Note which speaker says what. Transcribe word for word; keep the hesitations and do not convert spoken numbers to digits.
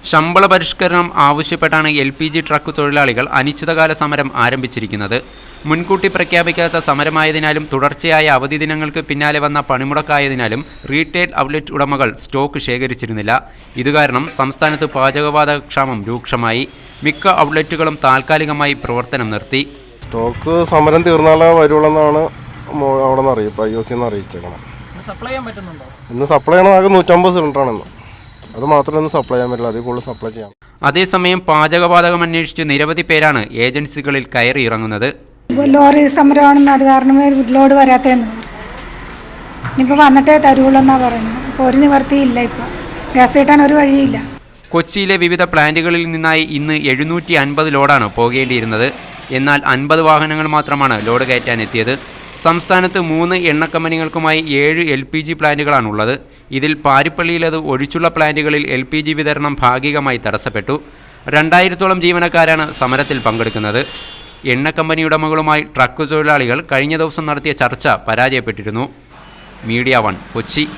Speaker 1: ശമ്പള പരിഷ്കരണം ആവശ്യപ്പെട്ടാണ് എൽ പി ജി ട്രക്ക് തൊഴിലാളികൾ അനിശ്ചിതകാല സമരം ആരംഭിച്ചിരിക്കുന്നത്. മുൻകൂട്ടി പ്രഖ്യാപിക്കാത്ത സമരമായതിനാലും തുടർച്ചയായ അവധി ദിനങ്ങൾക്ക് പിന്നാലെ വന്ന പണിമുടക്കായതിനാലും റീറ്റെയിൽ ഔട്ട്ലെറ്റ് ഉടമകൾ സ്റ്റോക്ക് ശേഖരിച്ചിരുന്നില്ല. ഇതുകാരണം സംസ്ഥാനത്ത് പാചകവാതക ക്ഷാമം രൂക്ഷമായി. മിക്ക ഔട്ട്ലെറ്റുകളും താൽക്കാലികമായി പ്രവർത്തനം നിർത്തി.
Speaker 2: സ്റ്റോക്ക് സമരം തീർന്നാലേ വരുള്ളൂന്നാണ് അവിടെ നിന്ന് അറിയിപ്പ് ഐ ഒ സി അറിയിച്ചേക്കണം. ഇന്ന് സപ്ലൈ ചെയ്യണം ആകെ നൂറ്റമ്പത് സിലിണ്ടറാണെന്ന്. അത് മാത്രമേ സപ്ലൈ ചെയ്യാൻ പറ്റില്ല, അതിൽ കൂടുതൽ സപ്ലൈ ചെയ്യാം.
Speaker 1: അതേസമയം പാചകവാതകം അന്വേഷിച്ച് നിരവധി പേരാണ് ഏജൻസികളിൽ കയറി ഇറങ്ങുന്നത്.
Speaker 3: ലോറി സമരമാണെന്ന് അത് കാരണം ലോഡ് വരാത്തതെന്ന് ഇനിയിപ്പോൾ വന്നിട്ടേ തരുള്ളൂ എന്നാണ് പറയുന്നത്. ഇപ്പോൾ ഒരു നിവർത്തിയില്ല, ഇപ്പം ഗ്യാസ് കിട്ടാൻ ഒരു വഴിയില്ല.
Speaker 1: കൊച്ചിയിലെ വിവിധ പ്ലാന്റുകളിൽ നിന്നായി ഇന്ന് എഴുന്നൂറ്റി അൻപത് ലോഡാണ് പോകേണ്ടിയിരുന്നത്. എന്നാൽ അൻപത് വാഹനങ്ങൾ മാത്രമാണ് ലോഡ് കയറ്റാൻ എത്തിയത്. സംസ്ഥാനത്ത് മൂന്ന് എണ്ണ കമ്പനികൾക്കുമായി ഏഴ് എൽ പി ജി പ്ലാന്റുകളാണുള്ളത്. ഇതിൽ പാരിപ്പള്ളിയിലത് ഒഴിച്ചുള്ള പ്ലാന്റുകളിൽ എൽ പി ജി വിതരണം ഭാഗികമായി തടസ്സപ്പെട്ടു. രണ്ടായിരത്തോളം ജീവനക്കാരാണ് സമരത്തിൽ പങ്കെടുക്കുന്നത്. എണ്ണ കമ്പനി ഉടമകളുമായി ട്രക്ക് തൊഴിലാളികൾ കഴിഞ്ഞ ദിവസം നടത്തിയ ചർച്ച പരാജയപ്പെട്ടിരുന്നു. Media one, Kochi.